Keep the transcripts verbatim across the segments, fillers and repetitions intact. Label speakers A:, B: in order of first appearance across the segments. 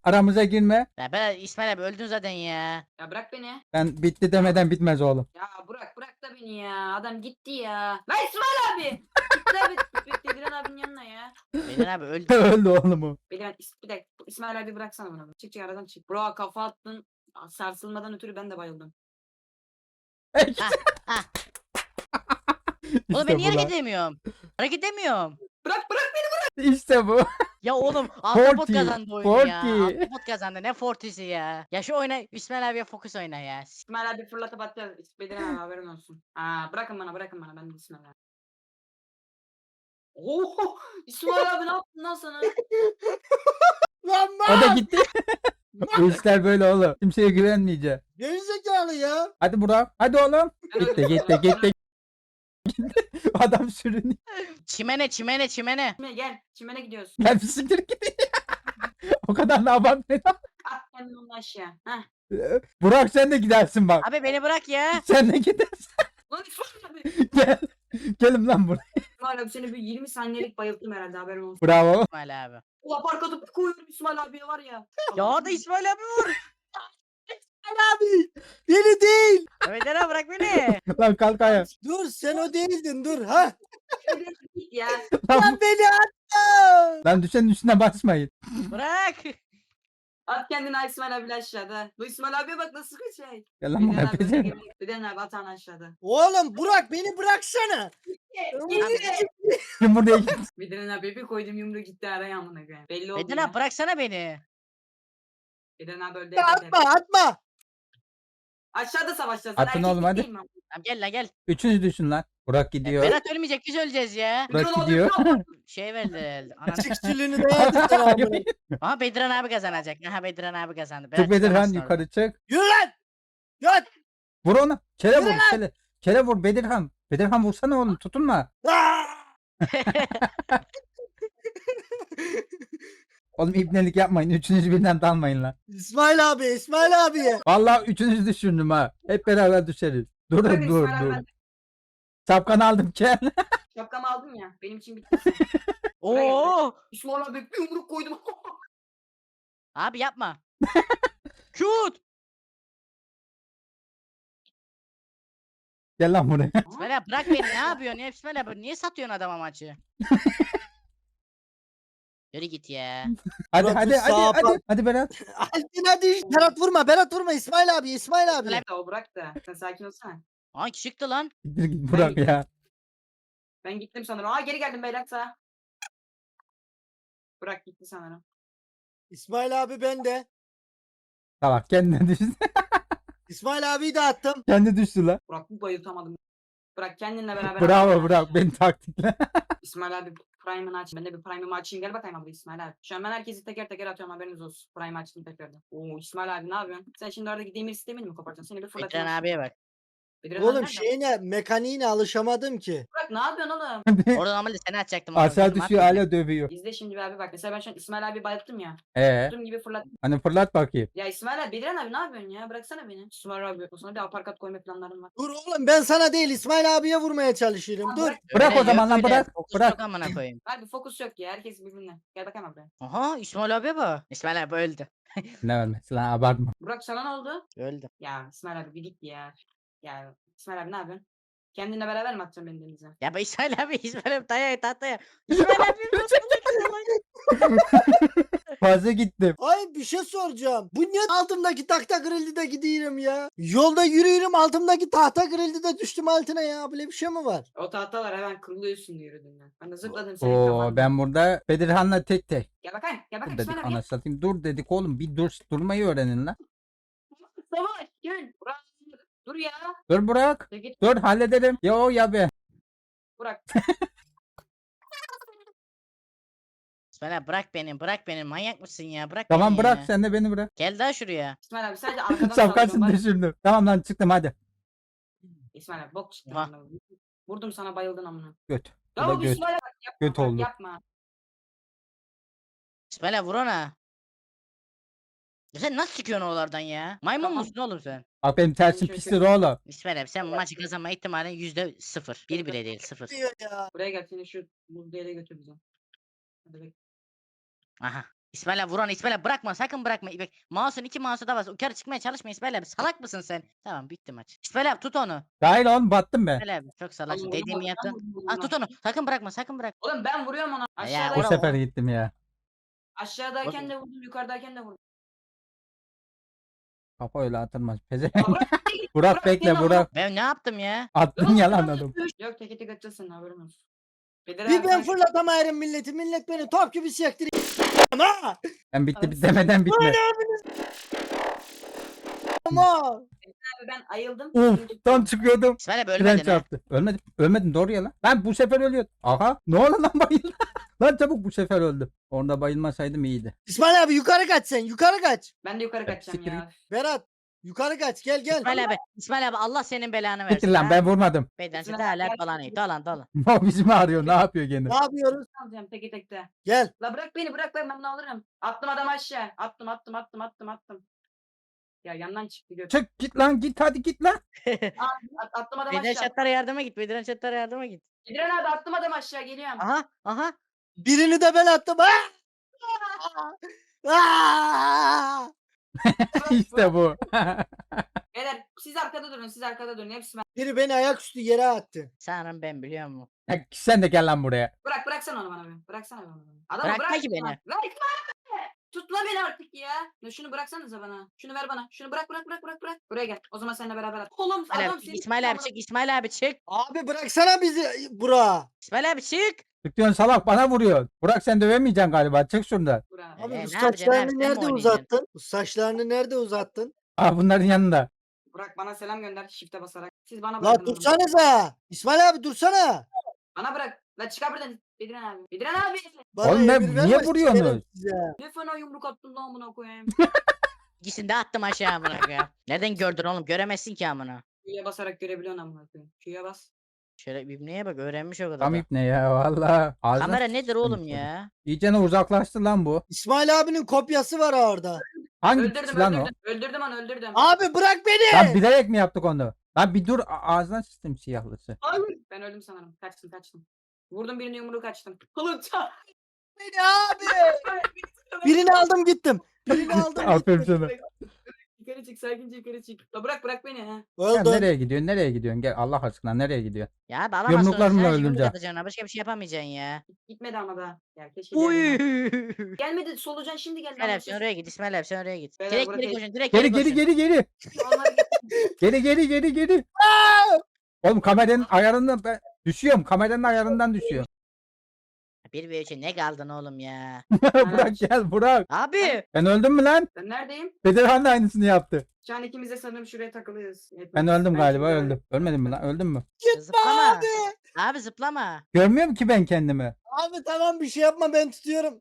A: Aramıza girme.
B: Ya ben İsmail abi öldün zaten ya.
C: Ya bırak beni.
A: Ben bitti demeden bitmez oğlum.
C: Ya bırak bırak da beni ya. Adam gitti ya. Lan İsmail abi. Gitti abi. Gitti Diren abinin yanına ya.
B: Beden abi öldü.
A: Öldü oğlum o.
C: Beni bir dakika. İsmail abi bıraksana bana. Çık çık aradan çık. Bro kafa attın. Sarsılmadan ötürü ben de bayıldım.
B: Ha ha. Oğlum ben
A: İşte
B: niye
A: bu
B: hareket
A: lan.
B: edemiyorum? Hareket edemiyorum.
C: Bırak bırak beni.
A: İşte bu.
B: Ya oğlum Ahtapot
A: Forty,
B: kazandı oyunu ya.
A: forty.
B: Ahtapot kazandı ne Forty'si ya. Ya şu oyuna İsmail abiye fokus oyna ya.
C: İsmail abi fırlatıp atacağız. Bediren abi haberin olsun. Aa bırakın bana bırakın bana. Ben de İsmail abi. Oho! İsmail abi ne yaptın lan sana?
D: Lan
A: O da
D: lan!
A: gitti. Bu işler böyle oğlum. Kimseye güvenmeyeceğim.
D: Gerizekalı ya.
A: Hadi Burak. Hadi oğlum. Gitti gitti gitti. Adam sürünüyor.
B: Çimene çimene çimene.
C: Çimene gel. Çimene gidiyoruz.
A: Gel bir siktir git. O kadar da abartmayın.
C: At kendini onun aşağı. Heh.
A: Burak sen de gidersin bak.
B: Abi beni bırak ya.
A: Sen de gidersin.
C: Lan İsmail abi.
A: Gel. Gelin lan buraya.
C: İsmail abi seni bir yirmi saniyelik bayılttım herhalde haberin olsun.
A: Bravo.
B: İsmail abi.
C: Ulan park atıp bir koyuyorum İsmail abiye var ya.
B: Ya da İsmail abi vur.
D: Abi beni değil.
B: Beden abi bırak beni.
A: Lan kalk ayağa.
D: Dur sen o değildin dur ha.
C: Git ya.
A: Lan,
D: Lan beni atma.
A: lan düşenin üstüne basmayın.
B: Bırak.
C: At kendini İsmail abiyle aşağıda. Bu İsmail abiye bak nasıl bir şey.
A: Gel lan
C: Beden
A: buraya.
C: abi
A: Beden.
C: öne geliyor. Beden abi at onu aşağıda.
D: Oğlum Burak beni bıraksana.
A: Kim buraya git.
C: Beden abi bir koydum yumruğu gitti araya amına koyayım. Belli oldu
B: Beden
C: ya.
B: abi bıraksana beni.
C: Beden abi öldü.
D: Atma atma.
C: Aşağıda savaşacağız.
A: Atın oğlum, hadi.
B: Tamam gel lan gel.
A: Üçünüz düşün lan. Burak gidiyor.
B: Berat ölmeyecek biz öleceğiz ya.
A: Burak gidiyor.
B: Şey verdi. Ananı.
D: Çıkçılığını da yedirsen abi.
B: Aha Bedran abi kazanacak. Aha Bedran abi kazandı.
A: Çık Bedirhan
B: çıkamazsın oradan.
A: yukarı çık.
D: Yürü lan. Yat.
A: Vur onu. Kele
D: Yürü
A: vur.
D: lan.
A: Kele. Kele vur Bedirhan. Bedirhan vursana oğlum tutunma.
D: Aa!
A: Oğlum ibnelik yapmayın. Üçünüz birden dalmayın lan.
D: İsmail abi İsmail abi.
A: Vallahi üçünüz düşürdüm ha. Hep beraber düşeriz. Dur
C: Bırakın
A: dur
C: İsmail abi,
A: dur.
C: ben
A: Şapkanı aldım gel.
C: şapkamı aldım ya. Benim için bitti.
B: Oo!
C: İsmail abi bir yumruk koydum.
B: Abi yapma. Shoot!
A: Gel lan buraya.
B: İsmail abi bırak beni ne yapıyorsun ya İsmail abi niye satıyorsun adama maçı? Yürü git ya.
A: Hadi
D: Burak,
A: hadi
D: dur,
A: hadi
D: sağa
A: hadi.
D: bak.
A: Hadi Berat.
D: Altin hadi. Berat vurma Berat vurma İsmail abi İsmail abi.
C: Bırak da o bırak da. Sen sakin olsana.
B: Hangi çıktı lan?
A: Gittir git Burak
C: Ben
A: ya.
C: Ben gittim sanırım. Aa geri geldim beyler sağa. Bırak gitti sanırım.
D: İsmail abi ben de.
A: Tamam kendine düştü.
D: İsmail abiyi de attım.
A: Kendi düştü lan.
C: Burak bir bayıltamadım. Bırak kendinle beraber.
A: Bravo
C: atın
A: Burak.
C: aşağı.
A: Beni taktikle.
C: İsmail abi Prime'ını aç. Ben de bir Prime'ımı açayım. Gel bakayım abi İsmail abi. Şu an ben herkesi teker teker atıyorum haberiniz olsun. Prime açtım tekrardan. Oo İsmail abi ne yapıyorsun? Sen şimdi oradaki demir sistemini mi koparacaksın? Seni bir fırlatacağım.
B: Bedran abiye bak.
C: Bedran
D: Oğlum
C: nerede?
D: şeyine mekaniğine alışamadım ki.
C: Burak ne yapıyorsun oğlum?
B: Orada normalde seni atacaktım. oğlum,
A: Aşağı
B: dedim,
A: düşüyor
B: atmayacağım.
A: hala dövüyor.
C: İzle şimdi bir abi bak. Mesela ben şu an İsmail abi bayılttım ya.
A: Ee,
C: Tuttuğum gibi fırlattım.
A: hani fırlat bakayım.
C: Ya İsmail abi Bedran abi ne yapıyorsun ya? Bıraksana beni. İsmail abi. O sana bir aparkat koyma planlarım var.
D: Dur oğlum ben sana değil İsmail abiye vurmaya çalışıyorum. Dur.
A: Bırak
B: Öyle
A: o zaman
B: yok
A: lan,
B: öyle,
A: bırak,
B: fokus
A: bırak.
B: yok amına koyayım.
C: Abi fokus yok ya. Herkes birbirine. Gel bakayım abi.
B: Aha İsmail abiye bak. İsmail abi öldü.
A: Ne vermesi lan abartma.
C: Burak sana ne oldu?
B: Öldü.
C: Ya İsmail abi bir git ya. Ya İsmail abi ne yapıyorsun? Kendinle beraber mi atacaksın beni denize?
B: Ya be İsmail abi İsmail abi tahtaya tahtaya. İsmail abi nasıl
A: Fazla gittim.
D: Ay bir şey soracağım. Bu niye altımdaki tahta kırıldı da gidiyorum ya? Yolda yürüyorum altımdaki tahta kırıldı da düştüm altına ya. Böyle bir şey mi var?
C: O tahtalar hemen kırılıyorsun diye yürüdüm ben. Ben de zıpladım senin
A: Oo
C: kafandan.
A: ben burada Bedirhan'la tek tek.
C: Gel bakayım. Gel
A: Dur
C: bakayım
A: dedik
C: İsmail abi.
A: ana satayım. Dur dedik oğlum bir dur durmayı öğrenin lan.
C: Gel. Savaş gel. Burak. Dur ya.
A: Dur Burak.
C: Dur git.
A: Dur hallederim. Ya o ya be.
C: Burak.
B: İsmail abi bırak beni bırak beni manyak mısın ya bırak
A: Tamam
B: beni
A: bırak
B: ya.
A: sen de beni bırak.
B: Gel daha şuraya.
C: İsmail abi sadece arkadan
A: Şapkasını
C: saldırıyorum. Bak.
A: düşürdüm. Tamam lan çıktım hadi.
C: İsmail abi bok çıktı.
B: Aha.
C: amına. Vurdum sana bayıldın amına.
A: Göt. Bu
C: Ya
A: da
C: bu
A: göt.
C: İsmail abi bak, yapma,
A: Göt
C: bak,
A: oldu.
C: yapma.
B: İsmail abi vur ona. Ya sen nasıl çıkıyorsun oralardan ya? Maymun
C: Tamam.
B: musun oğlum sen?
A: Bak benim tersim
C: şöyle
A: pistir oğlum.
B: İsmail abi sen bu maçı kazanma ihtimalin yüzde sıfır. Bir bile değil sıfır.
D: Diyor ya.
C: Buraya gel seni şu buz yere götür bize. Hadi bek.
B: Aha. İsmail abi vuran İsmail abi bırakma sakın bırakma. Bak mouse'un iki mouse'u da var. Yukarı çıkmaya çalışma İsmail abi. Salak mısın sen? Tamam bitti maç. İsmail abi tut onu.
A: Hayır oğlum battım ben.
B: İsmail abi çok salaksın.
C: Oğlum, vurdum
B: Dediğimi
C: onu, ben
B: yaptın.
C: vurdum
B: Ha
C: onu.
B: tut onu. Sakın bırakma sakın bırak.
C: Oğlum ben vuruyorum ona.
B: Ya,
C: Aşağıda
A: Bu
B: Bravo.
A: sefer gittim ya.
C: aşağıdayken de vurdum, yukarıdayken de vurdum.
A: Kafa öyle atılmaz. Pezevenk.
C: Ya Burak, git,
A: Burak bekle
C: gel lan
A: Burak.
B: Ben ne yaptım ya?
A: Attın yalan adam.
C: Yok teke tek atacağız senin haberin olsun. Bedir
D: Bir
C: abi
D: ben
C: sen-
D: fırlatamayırım milleti. Millet beni top gibi sektir. Ha!
A: Ben bitti
C: Abi,
A: bit demeden bitme.
D: Ama
C: Abi ben ayıldım.
A: Uf
C: Şimdi-
A: tam çıkıyordum.
B: İsmail abi
A: Tren
B: ölmedin ha.
A: çarptı. Ölmedim. Ölmedim doğru ya lan. Ben bu sefer ölüyordum. Aha. Ne oldu lan bayıldı. Lan çabuk bu sefer öldüm. Orada bayılmasaydım iyiydi.
D: İsmail abi yukarı kaç sen. Yukarı kaç.
C: Ben de yukarı kaçacağım
A: Siktir
C: ya.
D: Berat yukarı kaç. Gel gel.
B: İsmail abi. İsmail abi Allah senin belanı versin.
A: Bitir lan
B: ha.
A: ben vurmadım.
B: Beyden
C: İsmail
B: çete
C: abi,
B: hala
C: gel.
B: dolanıyor. Dolan dolan.
A: O bizim arıyor. Ne yapıyor gene?
D: Ne yapıyoruz?
C: Alacağım teke tekte.
D: Gel.
C: La bırak beni bırak ben ben bunu alırım. Attım adam aşağı. Attım attım attım attım attım. Ya yandan çıktı göt.
A: Çık git lan git hadi git lan.
C: At, attım adam
B: Beyden
C: aşağı.
B: çatlara yardıma git. Beyden çatlara yardıma git.
C: Gidiren abi attım adam aşağı geliyorum.
B: Aha aha.
D: Birini de ben attım. Ah! Ah!
A: İşte bu.
C: Beyler siz arkada durun siz arkada durun. Hepsi ben.
D: Biri beni ayaküstü yere attı.
B: Sanırım ben biliyor musun?
A: Ya sen de gel lan buraya.
C: Bırak bıraksana onu bana bir. Bıraksana bana. Adamı
B: Bırakma
C: bırak.
B: ki beni.
C: Bırakma. Tutma beni artık ya. Ya şunu bıraksanıza bana. Şunu ver bana. Şunu bırak bırak bırak bırak bırak. Buraya gel. O zaman seninle beraber at. Oğlum
B: İsmail
C: adam
B: abi,
C: seni
B: İsmail abi çık. İsmail abi çık.
D: Abi bıraksana bizi bura.
B: İsmail abi çık.
A: Çıkıyorsun salak bana vuruyor. Burak sen dövemeyeceksin galiba. Çık şuradan.
C: Burak.
B: Abi,
D: Abi
B: Ee,
D: bu
B: ne yapacaksın abi,
D: saçlarını
B: sen mi
D: nerede
B: oynayacaksın?
D: uzattın? Bu saçlarını nerede uzattın?
A: Aa bunların yanında.
C: Burak bana selam gönder. Shift'e basarak. Siz bana
D: La
C: bırakın. onu.
D: dursanıza. İsmail abi dursana.
C: Bana bırak. La çıkar buradan. Bediren abi. Bediren abi.
D: Bana
A: Oğlum ne-
D: emir verme,
A: niye vuruyorsunuz?
D: sikerim size.
C: Ne fena yumruk attın lan amına koyayım.
B: İkisini de attım aşağı amına koyayım. Nereden gördün oğlum? Göremezsin ki amına.
C: Q'ya basarak görebiliyorsun amına koyayım. Q'ya bas.
B: Şöyle ibneye bak öğrenmiş o kadar.
A: Tam
B: da.
A: ipne ya valla. Ağzına
B: Kamera nedir
A: sıçtım
B: oğlum
A: seni.
B: ya?
A: İyice uzaklaştı lan bu.
D: İsmail abinin kopyası var orada.
A: Hangi
C: Öldürdüm
A: piç lan o?
C: öldürdüm. Öldürdüm onu öldürdüm.
D: Abi bırak beni.
A: Lan bilerek mi yaptık onu? Lan bir dur a- ağzına sıçtım siyahlısı.
C: Hayır. Ben öldüm sanırım. Kaçtım kaçtım. Vurdum birini yumruğu kaçtım. Oğlum ça-
D: Beni abi. Birini aldım gittim. Birini aldım
A: Aferin
D: gittim.
A: sana.
C: Yukarı çık sakince yukarı çık. La bırak bırak beni ha.
A: Sen
D: Öldüm.
A: nereye gidiyorsun? Nereye gidiyorsun? Gel Allah aşkına nereye gidiyorsun?
B: Ya abi alamazsın.
A: Yumruklarımla
B: Sadece
A: öldüm
B: yumruk
A: can.
B: atacaksın ha, başka bir şey yapamayacaksın ya.
C: Gitmedi ama da. Ya keşke
B: Uy.
C: gelmedi. Gelmedi solucan şimdi geldi.
B: İsmail abi sen oraya git. İsmail abi sen oraya git.
C: Beyler,
B: Direkt
C: burası-
B: geri koşun. Direkt
A: Geri
B: geri
A: geri
B: koşun.
A: geri geri.
C: Onları getir.
A: Geri geri geri geri. Oğlum kameranın ayarından ben düşüyorum. Kameranın ayarından düşüyorum.
B: Bir ve üçe ne kaldın oğlum ya?
A: Burak gel Burak.
B: Abi.
A: Ben öldüm mü lan?
C: Ben neredeyim?
A: Bedirhan da aynısını yaptı.
C: Şu an ikimiz de sanırım şuraya takılıyoruz.
A: Ben öldüm galiba
C: şimdi
A: öldüm. Ölmedim mi lan? Öldüm mü?
B: Zıplama.
D: Abi.
B: Abi zıplama.
A: Görmüyorum ki ben kendimi.
D: Abi tamam bir şey yapma ben tutuyorum.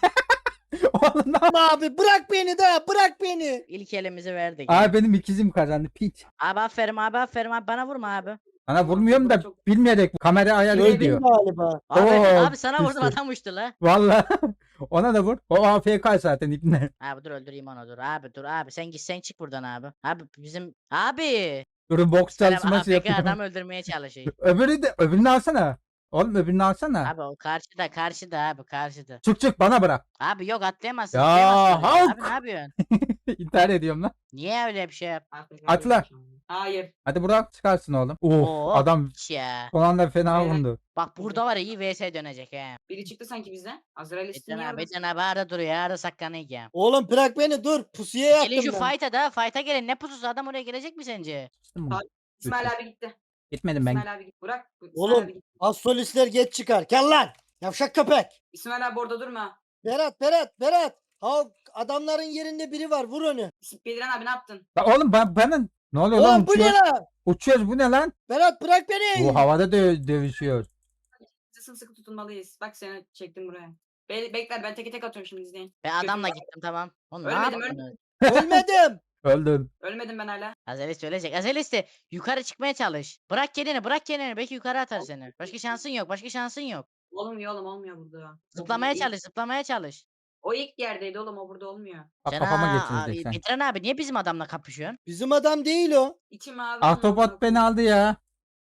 A: Oğlum ne yap-
D: Ama abi bırak beni de bırak beni.
B: İlk elimizi verdik.
A: Abi benim ikizim kazandı piç.
B: Abi aferin abi aferin abi bana vurma abi.
A: Sana vurmuyorum da
C: Çok-
A: bilmeyerek kamera ayarı
D: Öldüm
A: ediyor.
D: galiba.
B: Abi,
A: Oo,
B: abi sana vurdum
A: düştü.
B: adam uçtu la.
A: Vallahi ona da vur. O A F K zaten ipne.
B: Abi dur öldüreyim onu dur abi dur abi sen git sen çık buradan abi. Abi bizim abi.
A: Durun boks
B: Selam
A: çalışması
B: A F K
A: yapıyor.
B: adam öldürmeye çalışıyor.
A: Öbürü de öbürünü alsana. Oğlum öbürünü alsana.
B: Abi o karşıda karşıda abi karşıda.
A: Çık çık bana bırak.
B: Abi yok atlayamazsın.
A: Ya,
B: zıplayamazsın oraya.
A: Hulk!
B: Abi ne yapıyorsun?
A: İntihar ediyorum lan.
B: Niye öyle bir şey yap?
A: Atla.
C: Hayır.
A: Hadi Burak çıkarsın oğlum. Oh
B: Oo.
A: adam
B: Hiç ya.
A: son anda fena
C: Beyler.
A: vurdu.
B: Bak burada var ya iyi V S dönecek he.
C: Biri çıktı sanki bizden. Azrail
B: Beden
C: istini
B: abi Beden abi arada duruyor arada saklanıyor ya.
D: Oğlum bırak beni dur. Pusuya yattım
B: Gelin şu
D: ben.
B: fight'a da fight'a gelin ne pususu adam oraya gelecek mi sence?
A: Sıçtın mı?
C: İsmail abi gitti.
A: Gitmedim ben.
C: İsmail abi gitti. Burak. İsmail
D: Oğlum.
C: abi gitti.
D: Az solistler geç çıkar. Gel lan. Yavşak köpek.
C: İsmail abi orada durma.
D: Berat Berat Berat. Ha adamların yerinde biri var vur onu.
C: İs- Bediren abi ne yaptın?
A: La oğlum ben, bana ne oluyor lan
D: Oğlum bu ne
A: uçuyoruz.
D: lan?
A: Uçuyoruz bu ne lan?
D: Berat bırak beni.
A: Bu havada dö- dövüşüyor.
C: Biz sımsıkı tutunmalıyız. Bak seni çektim buraya. Be bekler ben teke tek atıyorum şimdi izleyin.
B: Ben adamla
C: Götür-
B: gittim tamam. Oğlum ne
C: Ölmedim,
B: yaptınız?
D: Ölmedim.
A: Öldüm.
C: Ölmedim ben hala.
B: Azelis ölecek. Azelis de yukarı çıkmaya çalış. Bırak kendini bırak kendini. Belki yukarı atar seni. Başka şansın yok. Başka şansın yok.
C: Olmuyor oğlum olmuyor burada. O
B: Zıplamaya
C: ilk-
B: çalış. Zıplamaya çalış.
C: O ilk yerdeydi oğlum o burada olmuyor.
A: Bak
B: Sen
A: kafama
B: ha,
A: geçirecek sen.
B: Bitiren abi niye bizim adamla kapışıyorsun?
D: Bizim adam değil o.
C: İçim abi.
A: Ahtapot beni aldı ya.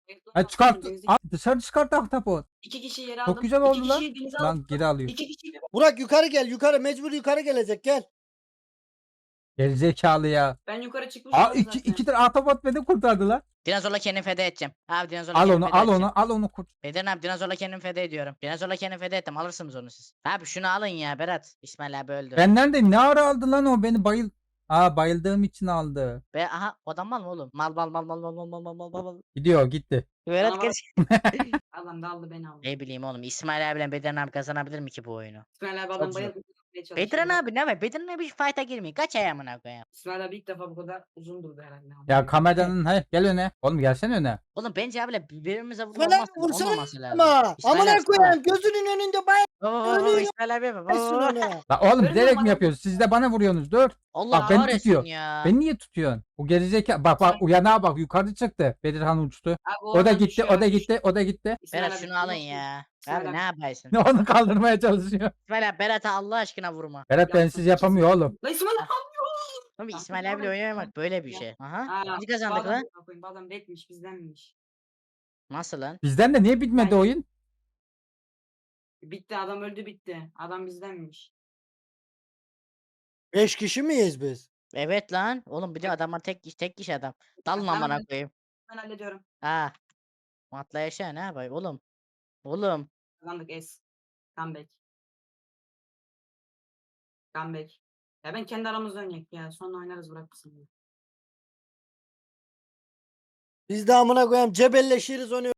A: Ha, çıkart.
C: Denize-
A: Al, dışarı çıkart ahtapot.
C: İki kişi yere aldım.
A: Çok güzel
C: İki
A: oldu lan.
C: kişiyi denize
A: Lan
C: aldım.
A: geri alıyor.
C: İki kişi.
D: Burak yukarı gel yukarı mecbur yukarı gelecek gel.
A: Gerizekalı ya.
C: Ben yukarı çıkmışım
A: Aa
C: abi
A: iki,
C: zaten.
A: iki tane ahtapot beni kurtardı lan.
B: Dinozorla kendimi feda edeceğim. Abi dinozorla
A: Al
B: kendimi
A: onu
B: feda
A: al
B: edeceğim.
A: onu al onu kurt.
B: Beden abi dinozorla kendimi feda ediyorum. Dinozorla kendimi feda ettim. Alırsınız onu siz. Abi şunu alın ya Berat. İsmail abi öldü.
A: Benden de ne ara aldı lan o beni bayıl. Aa bayıldığım için aldı.
B: Ve aha adam mal mı oğlum? Mal mal mal mal mal mal mal mal mal mal mal.
A: Gidiyor gitti.
B: Berat
C: Bana
B: geç.
C: Adam da aldı beni aldı.
B: Ne bileyim oğlum İsmail abiyle Beden abi kazanabilir mi ki bu oyunu?
C: İsmail abi
B: Çok
C: adam
B: zor.
C: bayıldı. çalışıyor.
B: Bediren abi ne var? Bediren abi hiç fight'a girmiyor. Kaç ayağımına koyayım.
C: İsmail abi ilk defa bu kadar uzun durdu herhalde.
A: Ya kameranın he gel öne. Oğlum gelsene öne.
B: Oğlum bence abiyle birbirimize vurma
D: Falan
B: olmaz,
D: vursana
B: olmaması lazım.
D: ama.
B: İsmail
D: Amına
B: abi sana.
D: koyayım gözünün önünde bay.
B: Baba baba baba
D: Ölüyorum.
B: İsmail abi baba.
D: Versin
B: baba.
D: onu.
A: La oğlum
C: Görmüyor
A: bilerek
C: musun
A: mi
C: adam?
A: yapıyorsunuz? Siz de bana vuruyorsunuz. Dur.
B: Allah
A: Bak beni
B: kahretsin
A: tutuyor.
B: ya.
A: Beni niye tutuyorsun? Bu gerizekalı. Bak bak uyanağa bak yukarı çıktı. Bedirhan uçtu.
C: Abi
A: O da
C: oradan
A: gitti
C: düşüyor,
A: o da
C: oradan
A: gitti o da gitti.
C: düşüyor. İsmail
B: Berat
C: abi
B: şunu alın
C: yok mu?
B: ya.
C: İsmail
B: Abi
C: abi.
B: ne yaparsın?
A: Onu kaldırmaya çalışıyor.
B: İsmail abi Berat'a Allah aşkına vurma.
A: Berat bensiz yapamıyor oğlum.
C: La İsmail abi.
B: Oğlum
C: Ah,
B: İsmail abiyle
C: doğru.
B: oynamak böyle bir
C: Ya.
B: şey. Aha.
C: Aa,
B: Biz kazandık
C: bu adam-
B: lan.
C: Bu adam bekmiş bizdenmiş.
B: Nasıl lan?
A: Bizden de niye bitmedi
C: Ben-
A: oyun?
C: Bitti adam öldü bitti. Adam bizdenmiş.
D: Beş kişi miyiz biz?
B: Evet lan. Oğlum bir de adamlar tek kişi tek kişi adam. Dalın
C: Tamam,
B: amına
C: ben-
B: koyayım.
C: Ben hallediyorum.
B: Ha. Matla yaşa ne yapayım oğlum. Oğlum.
C: Kazandık es. Comeback. Comeback. Ya ben kendi aramızda oynayayım ya. Sonra oynarız bırakırsın. ya.
D: Biz de amına koyayım cebelleşiriz onu